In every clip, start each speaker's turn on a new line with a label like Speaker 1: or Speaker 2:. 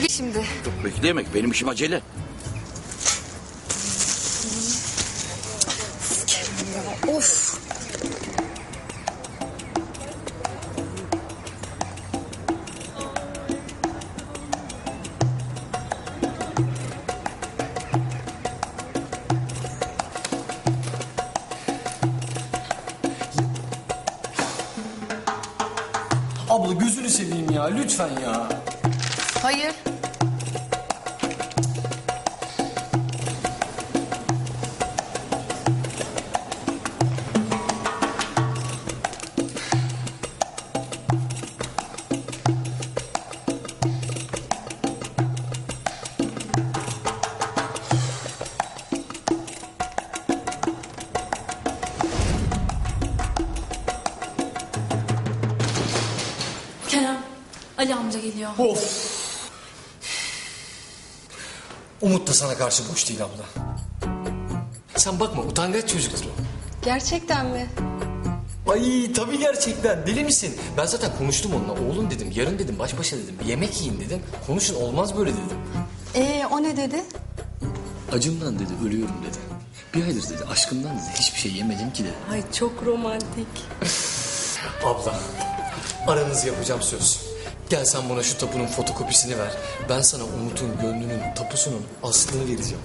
Speaker 1: Şimdi.
Speaker 2: Yok bekleyemek, benim işim acele.
Speaker 1: Of.
Speaker 3: Abla gözünü seveyim ya, lütfen ya.
Speaker 1: Hayır.
Speaker 4: Kerem, Ali amca geliyor.
Speaker 3: Of. Umut da sana karşı boş değil abla. Sen bakma, utangaç çocuktur o.
Speaker 1: Gerçekten mi?
Speaker 3: Ay tabii gerçekten, deli misin? Ben zaten konuştum onunla. Oğlum dedim, yarın dedim, baş başa dedim. Bir yemek yiyin dedim. Konuşun, olmaz böyle dedim.
Speaker 1: O ne dedi?
Speaker 3: Acımdan dedi, ölüyorum dedi. Bir aydır dedi, aşkımdan dedi, hiçbir şey yemedim ki dedi.
Speaker 1: Ay çok romantik.
Speaker 3: Abla, aranızı yapacağım söz. Gel sen bana şu tapunun fotokopisini ver. Ben sana Umut'un gönlünün tapusunun aslını vereceğim.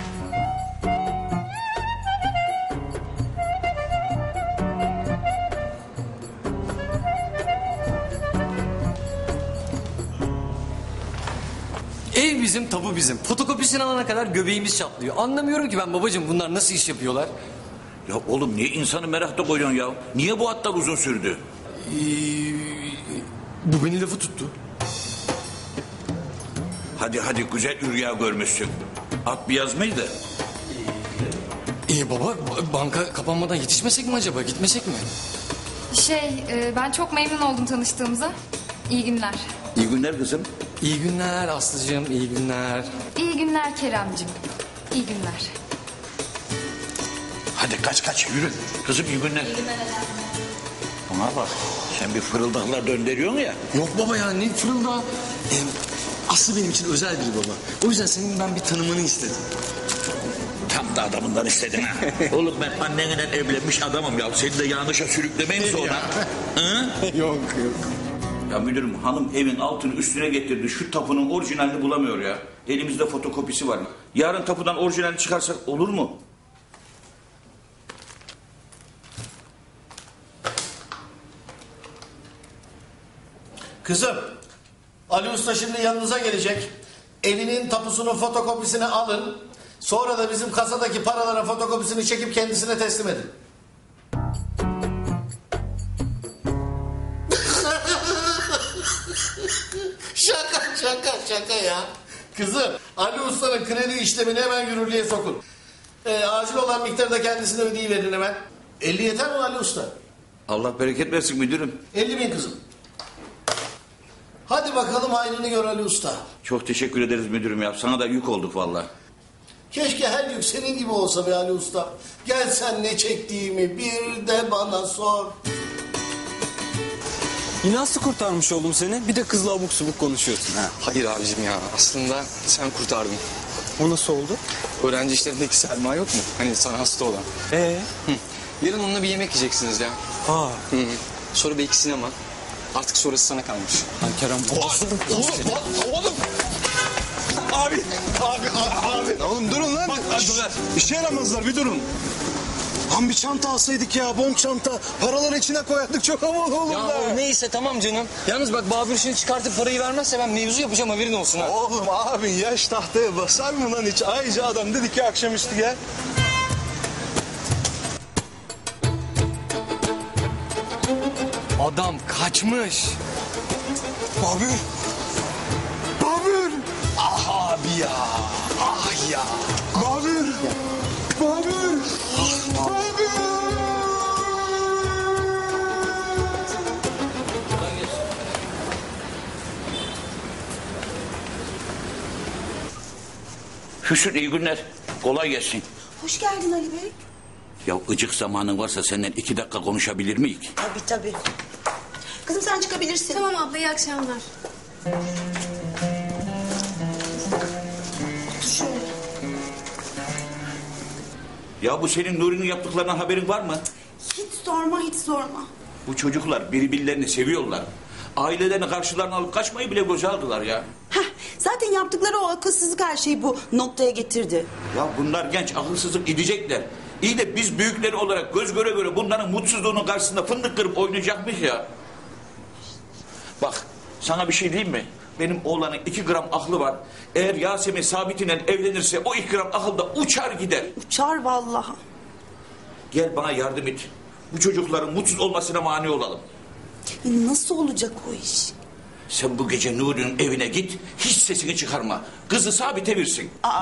Speaker 3: Ev bizim, tapu bizim. Fotokopisini alana kadar göbeğimiz çatlıyor. Anlamıyorum ki ben babacığım, bunlar nasıl iş yapıyorlar?
Speaker 2: Ya oğlum niye insanı merakta koyuyorsun ya? Niye bu hatlar uzun sürdü?
Speaker 3: Bu beni lafı tuttu.
Speaker 2: Hadi güzel rüya görmüşsün. At bir yazmaydı.
Speaker 3: Baba, banka kapanmadan yetişmesek mi acaba? Gitmesek mi?
Speaker 1: Ben çok memnun oldum tanıştığımıza. İyi günler.
Speaker 2: İyi günler kızım.
Speaker 3: İyi günler Aslı'cığım, iyi günler.
Speaker 1: İyi günler Keremcim. İyi günler.
Speaker 2: Hadi kaç yürü. Kızım iyi günler. Bana bak, sen bir fırıldaklar döndürüyorsun ya.
Speaker 3: Yok baba ya, ne fırıldağı. Aslı benim için özel biri baba. O yüzden senin ben bir tanımanı istedim.
Speaker 2: Tam da adamından istedin ha. Oğlum ben annenle evlenmiş adamım ya. Seni de yanlışa sürüklemeyim sonra. Hı?
Speaker 3: Yok.
Speaker 2: Ya müdürüm, hanım evin altını üstüne getirdi. Şu tapunun orijinalini bulamıyor ya. Elimizde fotokopisi var. Yarın tapudan orijinalini çıkarsak olur mu?
Speaker 5: Kızım, Ali Usta şimdi yanınıza gelecek. Evinin tapusunun fotokopisini alın. Sonra da bizim kasadaki paraların fotokopisini çekip kendisine teslim edin. Şaka ya. Kızım, Ali Usta'nın kredi işlemini hemen yürürlüğe sokun. Acil olan miktarı da kendisine ödeyiverin hemen. 50 yeter mi Ali Usta?
Speaker 2: Allah bereket versin müdürüm.
Speaker 5: 50.000 kızım. Hadi bakalım hayrını gör Ali Usta.
Speaker 2: Çok teşekkür ederiz müdürüm ya. Sana da yük olduk vallahi.
Speaker 5: Keşke her yük senin gibi olsa be Ali Usta. Gel sen ne çektiğimi bir de bana sor.
Speaker 6: Yine Aslı kurtarmış oldum seni. Bir de kızla abuk subuk konuşuyorsun. Ha.
Speaker 3: Hayır abicim ya, aslında sen kurtardın.
Speaker 6: O nasıl oldu?
Speaker 3: Öğrenci işlerindeki Selma yok mu? Hani sana hasta olan. Yarın onunla bir yemek yiyeceksiniz ya.
Speaker 6: Aa.
Speaker 3: Sonra belki sinema. Artık sonrası sana kalmış.
Speaker 6: Lan Kerem.
Speaker 7: Oğlum. Abi. Oğlum durun lan.
Speaker 3: Bak, dur.
Speaker 7: İşe yaramazlar, bir durun. Lan bir çanta alsaydık ya, bon çanta. Paraları içine koyardık, çok havalı olurlar.
Speaker 3: Ya neyse tamam canım. Yalnız bak Babür şimdi çıkartıp parayı vermezse ben mevzu yapacağım, haberin olsun ha.
Speaker 7: Oğlum abi yaş tahtaya basar mı lan hiç? Ayrıca adam dedi ki akşamüstü gel.
Speaker 3: Adam kaçmış.
Speaker 7: Babür.
Speaker 3: Ah abi ya. Ah ya.
Speaker 7: Babür.
Speaker 2: Füsun iyi günler. Kolay gelsin.
Speaker 8: Hoş geldin Ali Bey.
Speaker 2: Ya ıcık zamanın varsa senden 2 dakika konuşabilir miyiz?
Speaker 8: Tabii. Kızım sen çıkabilirsin.
Speaker 1: Tamam abla, iyi akşamlar.
Speaker 2: Ya bu senin Nuri'nin yaptıklarından haberin var mı?
Speaker 8: Hiç sorma, hiç sorma.
Speaker 2: Bu çocuklar birbirlerini seviyorlar. Ailelerini karşılarına alıp kaçmayı bile göze aldılar ya.
Speaker 8: Heh, zaten yaptıkları o akılsızlık her şeyi bu noktaya getirdi.
Speaker 2: Ya bunlar genç, akılsızlık gidecekler. İyi de biz büyükleri olarak göz göre göre bunların mutsuzluğunun karşısında fındık kırıp oynayacakmış ya. Bak, sana bir şey diyeyim mi? Benim oğlanın 2 gram aklı var. Eğer Yasemin Sabit'le evlenirse o 2 gram akıl da uçar gider.
Speaker 8: Uçar vallahi.
Speaker 2: Gel bana yardım et. Bu çocukların mutsuz olmasına mani olalım.
Speaker 8: Nasıl olacak o iş?
Speaker 2: Sen bu gece Nuri'nin evine git, hiç sesini çıkarma. Kızı Sabit'e versin.
Speaker 8: Aa.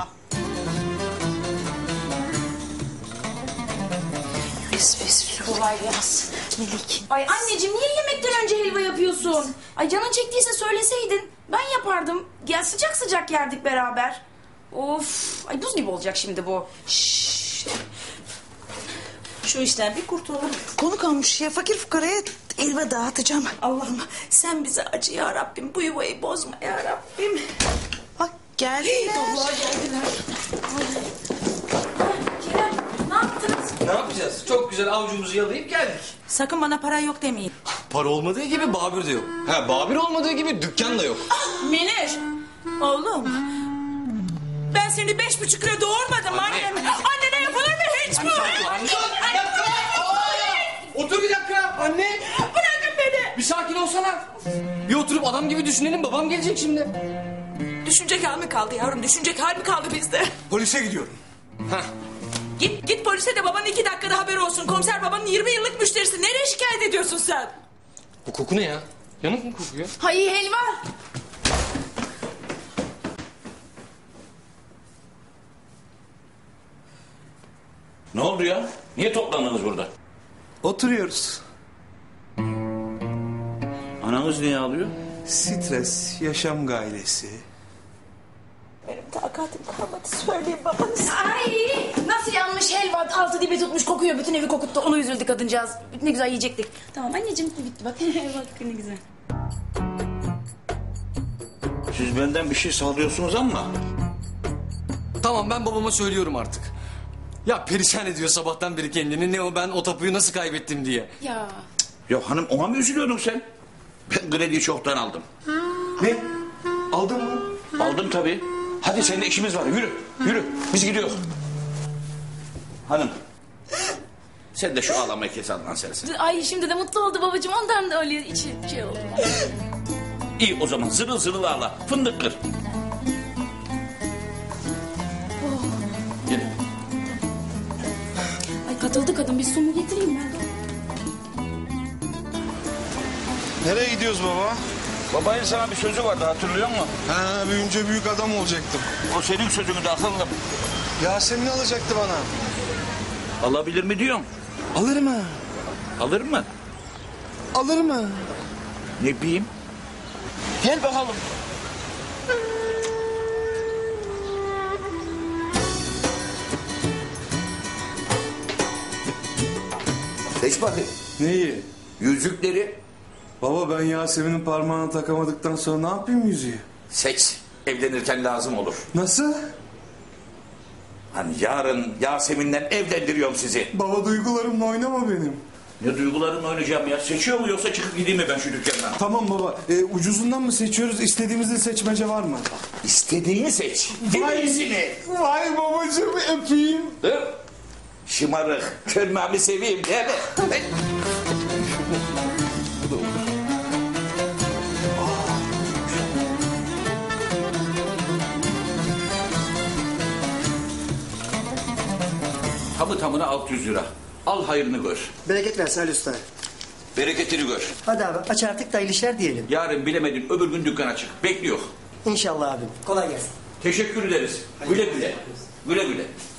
Speaker 4: Kolay gelsin.
Speaker 8: Melik.
Speaker 4: Ay anneciğim niye yemekten önce helva yapıyorsun? Ay canın çektiyse söyleseydin. Ben yapardım. Gel sıcak sıcak yerdik beraber. Of. Ay buz gibi olacak şimdi bu.
Speaker 8: Şşş. Şu işten bir kurtulalım. Konu kalmış ya, fakir fukaraya elva dağıtacağım. Allah'ım sen bize acı ya Rabbim. Bu yuvayı bozma ya Rabbim. Bak geldiler.
Speaker 4: Allah geldiler. Kerem ne yaptınız?
Speaker 3: Ne yapacağız? Çok güzel avucumuzu yalayıp geldik.
Speaker 8: Sakın bana para yok demeyin.
Speaker 3: Para olmadığı gibi Babür de yok. Ha, Babür olmadığı gibi dükkan da yok.
Speaker 8: Münir. Oğlum. Ben seni 5,5 lira doğurmadım annem. Annene yapılır mı hiç bu?
Speaker 3: Otur bir dakika anne.
Speaker 8: Bırakın beni.
Speaker 3: Bir sakin olsana. Bir oturup adam gibi düşünelim, babam gelecek şimdi.
Speaker 8: Düşünecek hal mi kaldı yavrum? Düşünecek hal mi kaldı bizde?
Speaker 7: Polise gidiyorum.
Speaker 8: Git polise de babanın 2 dakikada haberi olsun. Komiser babanın 20 yıllık müşterisi. Nereye şikayet ediyorsun sen?
Speaker 3: Bu koku ne ya? Yanık mı kokuyor?
Speaker 4: Hay helva.
Speaker 2: Ne oldu ya? Niye toplandınız burada?
Speaker 7: Oturuyoruz.
Speaker 2: Ananız niye ağlıyor?
Speaker 7: Stres, yaşam gailesi.
Speaker 8: Benim takatim kalmadı. Söyleyin babanız.
Speaker 4: Ay nasıl yanmış helva altı dibe tutmuş kokuyor bütün evi kokuttu onu üzüldü kadıncağız ne güzel yiyecektik. Tamam anneciğim bitti bak bak ne güzel.
Speaker 2: Siz benden bir şey sağlıyorsunuz ama...
Speaker 3: Tamam, ben babama söylüyorum artık. Ya perişan ediyor sabahtan beri kendini. Ne o, ben o tapuyu nasıl kaybettim diye.
Speaker 4: Ya
Speaker 2: Ya hanım, ona mı üzülüyordun sen? Ben krediyi çoktan aldım.
Speaker 7: Ne? Aldın mı?
Speaker 2: Aldım tabii. Hadi seninle işimiz var. Yürü, yürü. Biz gidiyoruz. Hanım. Sen de şu ağlamayı kes Adnan sensin.
Speaker 4: ay şimdi de mutlu oldu babacığım ondan da öyle içi şey oldu.
Speaker 2: İyi o zaman zırıl zırıl ağla. Fındık kır. Gelin.
Speaker 4: Ay katıldı kadın bir su mu getireyim ben de.
Speaker 7: Nereye gidiyoruz baba?
Speaker 2: Babanın sana bir sözü vardı, hatırlıyor musun?
Speaker 7: Ha, büyünce büyük adam olacaktım.
Speaker 2: O senin sözünü de akıllım.
Speaker 7: Yasemin alacaktı bana.
Speaker 2: Alabilir mi diyorum.
Speaker 7: Alır mı?
Speaker 2: Alır mı?
Speaker 7: Alır mı?
Speaker 2: Ne bileyim. Gel bakalım. Seç bakayım.
Speaker 7: Neyi?
Speaker 2: Yüzükleri
Speaker 7: Baba ben Yasemin'in parmağına takamadıktan sonra ne yapayım yüzüğü?
Speaker 2: seç. Evlenirken lazım olur.
Speaker 7: Nasıl?
Speaker 2: Hani yarın Yasemin'le evlendiriyorum sizi.
Speaker 7: Baba duygularımla oynama benim.
Speaker 2: Ne duygularımla oynayacağım ya? Seçiyor mu yoksa çıkıp gideyim mi ben şu dükkandan?
Speaker 7: Tamam baba. Ucuzundan mı seçiyoruz? İstediğimizde seçmece var mı?
Speaker 2: İstediğini seç. İyisini.
Speaker 7: Vay babacığım öpeyim.
Speaker 2: Dur. Şımarık. Körmemi seveyim değil mi? Tamı tamına 600 lira. Al hayrını gör.
Speaker 9: Bereket versin Ali Usta.
Speaker 2: Bereketini gör.
Speaker 9: Hadi abi aç artık da hayırlı işler diyelim.
Speaker 2: Yarın bilemedin öbür gün dükkan açık. Bekliyor.
Speaker 9: İnşallah abim. Kolay gelsin.
Speaker 2: Teşekkür ederiz. Güle güle. Güle güle.